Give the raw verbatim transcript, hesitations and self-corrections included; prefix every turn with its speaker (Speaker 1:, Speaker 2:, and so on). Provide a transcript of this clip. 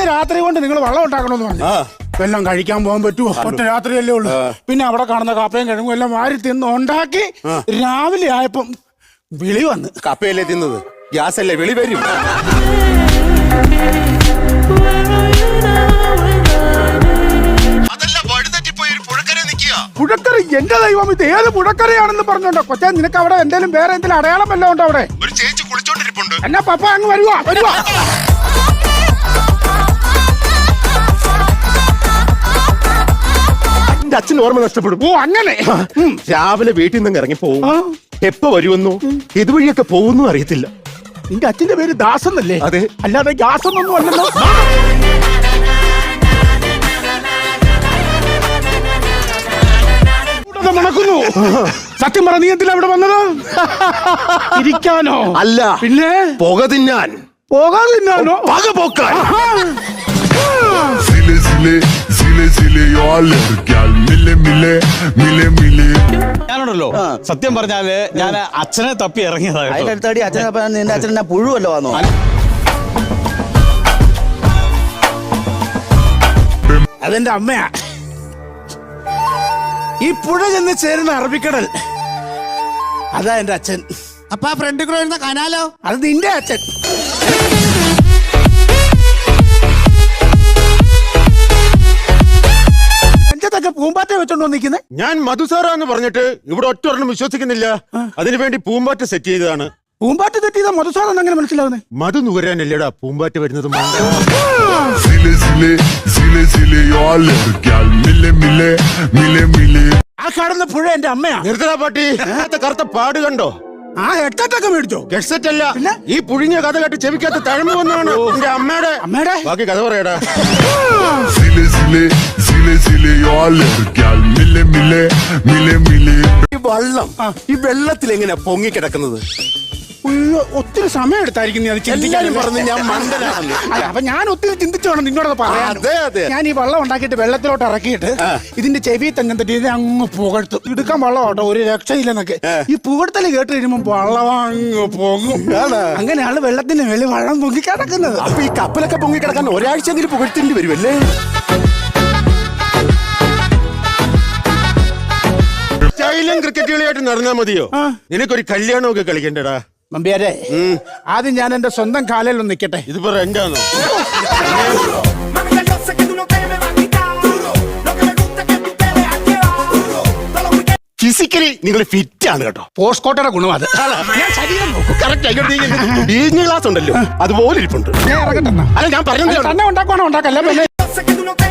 Speaker 1: രാത്രി കൊണ്ട് നിങ്ങൾ വെള്ളം ഉണ്ടാക്കണമെന്ന് പറഞ്ഞു. എല്ലാം കഴിക്കാൻ പോകാൻ പറ്റുമോ? ഒറ്റ രാത്രിയല്ലേ ഉള്ളൂ. പിന്നെ അവിടെ കാണുന്ന കപ്പയും കിഴങ്ങും എല്ലാം വാരി തിന്ന് ഉണ്ടാക്കി രാവിലെ ആയപ്പം വിളി വന്ന്.
Speaker 2: കപ്പയല്ലേ തിന്നത്, ഗ്യാസ് അല്ലേ, വിളി വരും.
Speaker 1: പുഴക്കര എന്റെ ദൈവം, ഇത് ഏത് പുഴക്കരയാണെന്ന് പറഞ്ഞോണ്ടോ കൊച്ചാ? നിനക്ക് അവിടെ എന്തെങ്കിലും വേറെ എന്തെങ്കിലും അടയാളം വല്ലതും ഉണ്ടോ അവിടെ?
Speaker 2: ഒരു ചേച്ചി കുളിച്ചോണ്ടിരിപ്പുണ്ട്.
Speaker 1: എന്നാ പപ്പ അങ്ങ് വരുവാ വരുവാ.
Speaker 2: എന്റെ അച്ഛൻ ഓർമ്മ നഷ്ടപ്പെടും.
Speaker 1: ഓ അങ്ങനെ.
Speaker 2: രാവിലെ വീട്ടിൽ നിന്ന് ഇറങ്ങി പോവും, എപ്പോ വരുമെന്നോ ഇതുവഴിയൊക്കെ പോകുന്നു അറിയത്തില്ല.
Speaker 1: നിന്റെ അച്ഛന്റെ പേര് ദാസെന്നല്ലേ?
Speaker 2: അതെ.
Speaker 1: അല്ലാതെ ഗ്യാസൊന്നും അല്ലല്ലോ. നടക്കുന്നു. സത്യം പറ, നീ എന്തിനാ ഇവിടെ വന്നത്? ഇരിക്കാനോ?
Speaker 2: അല്ല,
Speaker 1: പിന്നെ
Speaker 2: പുക തിന്നാൻ.
Speaker 1: പോകാൻ തിന്നാനോ?
Speaker 2: പക പോക്കാൻ.
Speaker 3: ഞാനുണ്ടല്ലോ, സത്യം പറഞ്ഞാല് ഞാൻ അച്ഛനെ തപ്പി ഇറങ്ങിയതാണ്.
Speaker 4: അതിന്റെ അച്ഛനെ നിന്റെ അച്ഛൻ പുഴുവല്ലോ വന്നോ?
Speaker 1: അതെന്റെ അമ്മയാ. ഈ പുഴ ചെന്ന് ചേരുന്ന അറബിക്കടൽ, അതാ എന്റെ അച്ഛൻ.
Speaker 5: അപ്പൊ ആ ഫ്രണ്ട് കൂടെ വരുന്ന കനാലോ?
Speaker 1: അത് നിന്റെ അച്ഛൻ. അഞ്ചത്തൊക്കെ പൂമ്പാറ്റ വെച്ചോണ്ടോ നിൽക്കുന്നത്?
Speaker 2: ഞാൻ മധുസാറാന്ന് പറഞ്ഞിട്ട് ഇവിടെ ഒറ്റ ഒരെണ്ണം വിശ്വസിക്കുന്നില്ല. അതിനുവേണ്ടി പൂമ്പാറ്റ സെറ്റ് ചെയ്തതാണ്.
Speaker 1: പൂമ്പാറ്റ തെറ്റിയതാ മധുസാറെന്ന് അങ്ങനെ മനസ്സിലാവുന്നേ?
Speaker 2: മധു നുകരാനല്ലേടാ പൂമ്പാറ്റ വരുന്നത്.
Speaker 1: ആ കാണുന്ന പുഴ എന്റെ അമ്മയാ.
Speaker 2: നിർത്തടാ പാട്ടി, കറുത്ത പാട് കണ്ടോ?
Speaker 1: ആ ഹെഡ്സെറ്റൊക്കെ മേടിച്ചോ?
Speaker 2: ഹെഡ്സെറ്റ് അല്ല, ഈ പുഴിഞ്ഞ കഥ കേട്ട് ചെവിക്കകത്ത് തഴമ്പ് വന്നാണ് എന്റെ അമ്മയുടെ.
Speaker 1: അമ്മയുടെ
Speaker 2: ബാക്കി കഥ പറയടാ. ഈ വള്ളം ഈ വെള്ളത്തിൽ എങ്ങനെയാ പൊങ്ങിക്കിടക്കുന്നത്?
Speaker 1: ഒത്തിരി സമയം എടുത്തായിരിക്കും നീ അത് ചിന്തിക്കാൻ.
Speaker 2: പറഞ്ഞ് ഞാൻ മണ്ടനാണെന്ന്.
Speaker 1: അപ്പൊ ഞാൻ ഒത്തിരി ചിന്തിച്ചു വേണം നിന്നോട് പറയാൻ. ഞാൻ ഈ വെള്ളം ഉണ്ടാക്കിയിട്ട് വെള്ളത്തിലോട്ട് ഇറക്കിയിട്ട് ഇതിന്റെ ചെവി തന്നെ തട്ടി ഇത് അങ്ങ് പുകഴ്ത്തും. എടുക്കാൻ വെള്ളം കേട്ടോ, ഒരു രക്ഷയില്ലെന്നൊക്കെ. ഈ പുകഴ്ത്തല് കേട്ട് കഴിയുമ്പോ വെള്ളം അങ്ങ് പൊങ്ങും. അങ്ങനെയാണ് വെള്ളത്തിന്റെ വെളി വെള്ളം പൊങ്ങി കിടക്കുന്നത്.
Speaker 2: അപ്പൊ ഈ കപ്പലൊക്കെ പൊങ്ങി കിടക്കാൻ ഒരാഴ്ചയെങ്കിലും പുകഴ്ത്തേണ്ടി വരുമല്ലേ? സ്റ്റൈലും ക്രിക്കറ്റ് കളിയായിട്ട് നടന്നാ മതിയോ? നിനക്കൊരു കല്യാണമൊക്കെ കളിക്കണ്ടടാ.
Speaker 1: നമ്പ്യാരെ, ആദ്യം ഞാൻ എന്റെ സ്വന്തം കാലിൽ ഒന്ന് നിൽക്കട്ടെ.
Speaker 2: ഇതിപ്പോ റെന്റാണോ? ഫിസിക്കലി നിങ്ങൾ ഫിറ്റ് ആണ് കേട്ടോ.
Speaker 1: പോസ്റ്റ് കോട്ടയുടെ ഗുണം അത്.
Speaker 2: ക്ലാസ് ഉണ്ടല്ലോ അതുപോലെ ഇരിപ്പുണ്ട്.
Speaker 1: ഇറങ്ങട്ടെ.
Speaker 2: അല്ല ഞാൻ പറഞ്ഞത്
Speaker 1: തന്നെ ഉണ്ടാക്കുവാണോ ഉണ്ടാക്കല്ലേ?